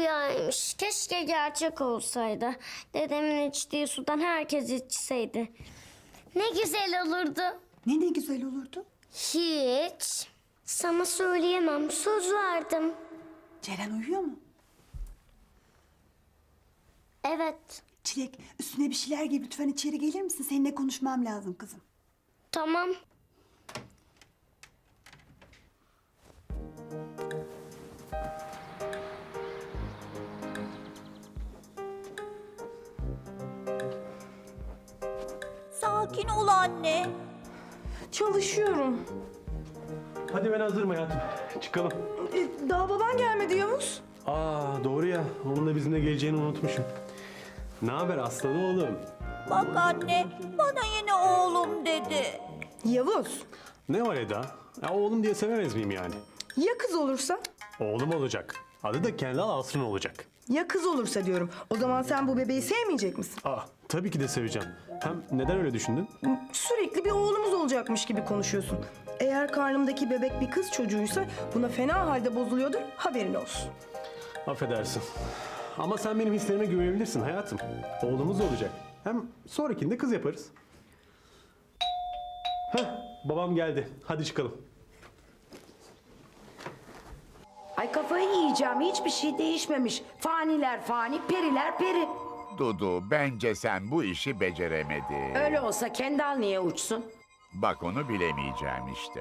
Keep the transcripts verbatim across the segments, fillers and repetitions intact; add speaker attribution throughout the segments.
Speaker 1: rüyaymış. Keşke gerçek olsaydı. Dedemin içtiği sudan herkes içseydi. Ne güzel olurdu.
Speaker 2: Ne ne güzel olurdu.
Speaker 1: Hiç. Sana söyleyemem. Söz verdim.
Speaker 2: Ceren uyuyor mu?
Speaker 1: Evet.
Speaker 2: Çilek üstüne bir şeyler giy, lütfen içeri gelir misin? Seninle konuşmam lazım kızım.
Speaker 1: Tamam.
Speaker 3: Sakin ol anne.
Speaker 4: Çalışıyorum.
Speaker 5: Hadi ben hazırım hayatım. Çıkalım.
Speaker 4: E, daha baban gelmedi Yavuz.
Speaker 5: Aa doğru ya. Onun da bizimle geleceğini unutmuşum. Ne haber aslanım oğlum?
Speaker 3: Bak anne, bana yine oğlum dedi.
Speaker 4: Yavuz,
Speaker 5: Ne var Eda? Ya oğlum diye sevemez miyim yani?
Speaker 4: ya kız olursa?
Speaker 5: Oğlum olacak. Adı da Kendal Asrın olacak.
Speaker 4: Ya kız olursa diyorum. O zaman sen bu bebeği sevmeyecek misin?
Speaker 5: Aa tabii ki de seveceğim. Hem neden öyle düşündün?
Speaker 4: Sürekli bir oğlumuz olacakmış gibi konuşuyorsun. Eğer karnımdaki bebek bir kız çocuğuysa buna fena halde bozuluyordur, haberin olsun.
Speaker 5: Affedersin. Ama sen benim hislerime güvenebilirsin hayatım. Oğlumuz olacak. Hem sonrakinde kız yaparız. Heh, babam geldi. Hadi çıkalım.
Speaker 6: Ay kafayı yiyeceğim. Hiçbir şey değişmemiş. Faniler fani, periler peri.
Speaker 7: Dudu, bence sen bu işi beceremedin.
Speaker 6: Öyle olsa Kendal niye uçsun?
Speaker 7: Bak onu bilemeyeceğim işte.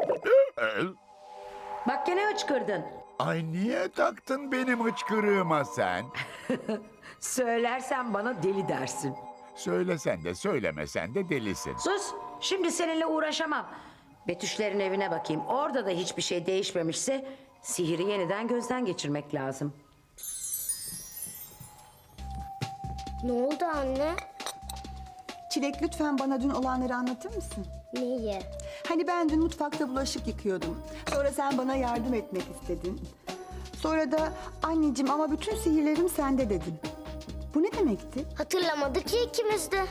Speaker 6: Bak gene hıçkırdın.
Speaker 7: Ay niye taktın benim hıçkırığıma sen?
Speaker 6: Söylersen bana deli dersin.
Speaker 7: Söylesen de söylemesen de delisin.
Speaker 6: Sus. Şimdi seninle uğraşamam. Betüşlerin evine bakayım. Orada da hiçbir şey değişmemişse sihiri yeniden gözden geçirmek lazım.
Speaker 1: Ne oldu anne?
Speaker 2: Çilek lütfen bana dün olanları anlatır mısın?
Speaker 1: Neyi?
Speaker 2: Hani ben dün mutfakta bulaşık yıkıyordum. Sonra sen bana yardım etmek istedin. Sonra da anneciğim ama bütün sihirlerim sende dedin. Bu ne demekti?
Speaker 1: Hatırlamadık ki ikimiz de.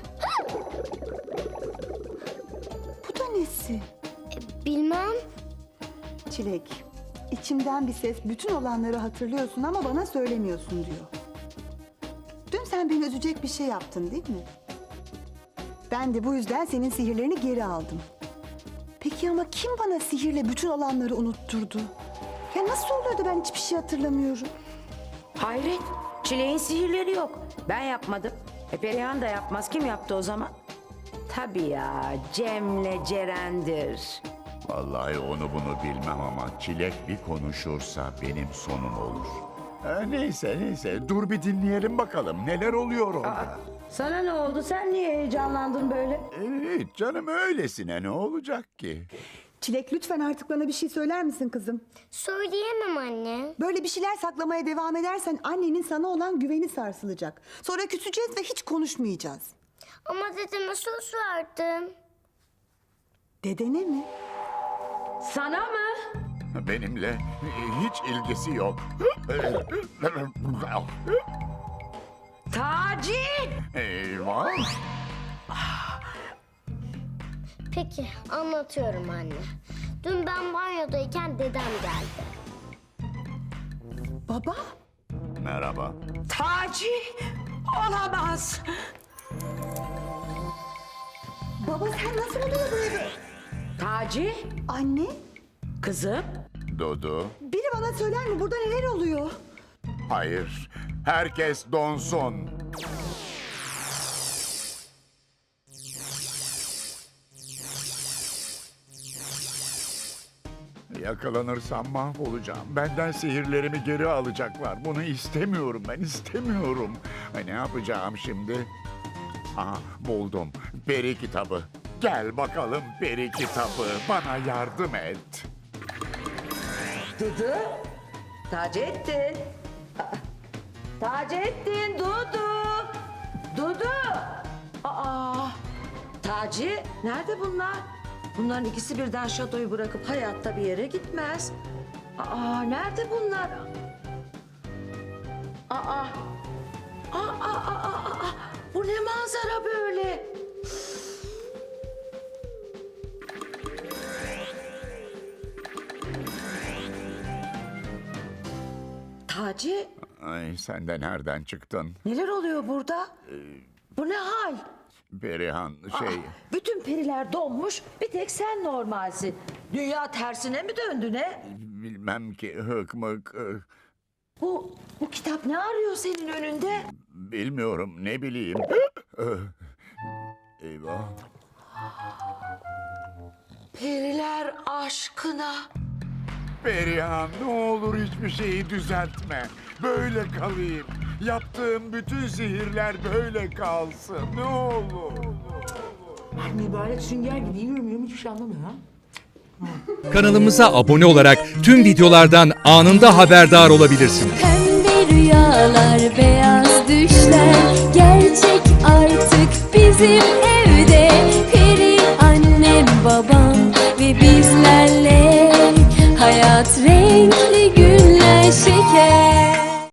Speaker 2: Bu da nesi?
Speaker 1: Bilmem.
Speaker 2: Çilek, içimden bir ses bütün olanları hatırlıyorsun ama bana söylemiyorsun diyor. Dün sen beni üzecek bir şey yaptın değil mi? Ben de bu yüzden senin sihirlerini geri aldım. Peki ama kim bana sihirle bütün olanları unutturdu? Ya nasıl oluyor da ben hiçbir şey hatırlamıyorum?
Speaker 6: Hayret. Çileğin sihirleri yok. Ben yapmadım. E Perihan da yapmaz. Kim yaptı o zaman? Tabii ya. Cem'le Ceren'dir.
Speaker 7: Vallahi onu bunu bilmem ama Çilek bir konuşursa benim sonum olur. Ee, neyse neyse dur bir dinleyelim bakalım neler oluyor orada.
Speaker 6: Sana ne oldu? Sen niye heyecanlandın böyle?
Speaker 7: Evet canım öylesine ne olacak ki?
Speaker 2: Çilek lütfen artık bana bir şey söyler misin kızım?
Speaker 1: Söyleyemem anne.
Speaker 2: Böyle bir şeyler saklamaya devam edersen annenin sana olan güveni sarsılacak. Sonra küseceğiz ve hiç konuşmayacağız.
Speaker 1: Ama dedeme söz verdim.
Speaker 2: Dedene mi?
Speaker 6: Sana mı?
Speaker 7: Benimle hiç ilgisi yok.
Speaker 6: Taci!
Speaker 7: Eyvah.
Speaker 1: Peki anlatıyorum anne. Dün ben banyodayken dedem geldi.
Speaker 2: Baba?
Speaker 7: Merhaba.
Speaker 6: Taci! Olamaz!
Speaker 2: Baba sen nasıl oluyor böyle?
Speaker 6: Taci!
Speaker 2: Anne?
Speaker 6: Kızım!
Speaker 7: Dudu.
Speaker 2: Biri bana söyler mi burada neler oluyor?
Speaker 7: Hayır. Herkes donsun. Yakalanırsam mahvolacağım. Benden sihirlerimi geri alacaklar. Bunu istemiyorum ben, istemiyorum. Ay, ne yapacağım şimdi? Aha, buldum. Peri kitabı. Gel bakalım peri kitabı. Bana yardım et.
Speaker 6: Dudu! Taceddin! Aa, Taceddin, Dudu! Dudu! Aa! Taci, nerede bunlar? Bunların ikisi birden şatoyu bırakıp hayatta bir yere gitmez. Aa, nerede bunlar? Aa! Aa, aa, aa, aa, aa. Bu ne manzara böyle? Taci,
Speaker 7: Ay sen de nereden çıktın?
Speaker 6: Neler oluyor burada? Bu ne hal?
Speaker 7: Perihan şey...
Speaker 6: Bütün periler donmuş, bir tek sen normalsin. Dünya tersine mi döndü ne?
Speaker 7: Bilmem ki hıkmık... ıh,
Speaker 6: Bu, bu kitap ne arıyor senin önünde?
Speaker 7: Bilmiyorum ne bileyim. Ih, Eyvah.
Speaker 6: Periler aşkına.
Speaker 7: Perihan ne olur hiçbir şeyi düzeltme. Böyle kalayım. Yaptığım bütün sihirler böyle kalsın. Ne olur.
Speaker 8: Mübarek sünger gibi yiyorum yiyorum hiçbir şey anlamıyor ha.
Speaker 9: Kanalımıza abone olarak tüm videolardan anında haberdar olabilirsiniz.
Speaker 10: Pembe rüyalar, beyaz düşler gerçek artık bizim evde. Peri annem, babam ve bizlerle hayat renkli günler şeker.